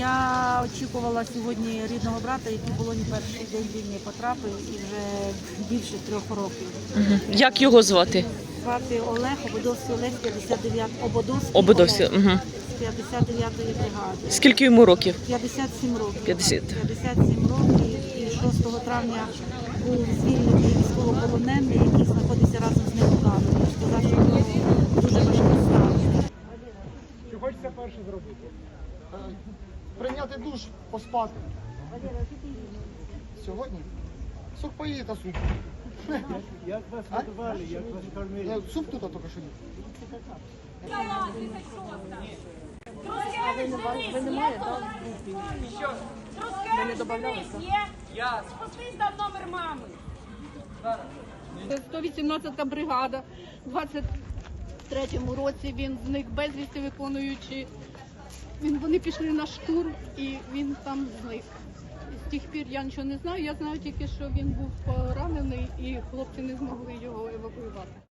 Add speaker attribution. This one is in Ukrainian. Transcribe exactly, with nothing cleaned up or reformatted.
Speaker 1: Я очікувала сьогодні рідного брата, який в полоні перший день війни потрапив і вже більше трьох років.
Speaker 2: Угу. Як його звати?
Speaker 1: Звати Олег, Ободовський Олег, п'ятдесят дев'ятий, Ободовський
Speaker 2: Ободовський.
Speaker 1: Олег,
Speaker 2: Угу.
Speaker 1: з п'ятдесят дев'ятої бригади.
Speaker 2: Скільки йому років?
Speaker 1: п'ятдесят сім років.
Speaker 2: п'ятдесят.
Speaker 1: п'ятдесят сім років і шостого травня був звільнений військовополонений, який знаходиться разом з ним у камері. Сказав, що в нього дуже важкий стан.
Speaker 3: Що хочеться перше зробити? Прийняти душ, поспати. Сьогодні? Сухпаї та суп.
Speaker 4: Як вас готували, як вас кормили?
Speaker 3: Я суп тут тільки що їв.
Speaker 5: Ви не маєте, так? Ви не додавалися? Я. Спустись там номер мами.
Speaker 6: сто вісімнадцята бригада. У двадцять третьому році він зник безвісти, виконуючи. Він, вони пішли на штурм і він там зник. З тих пір я нічого не знаю. Я знаю тільки, що він був поранений і хлопці не змогли його евакуювати.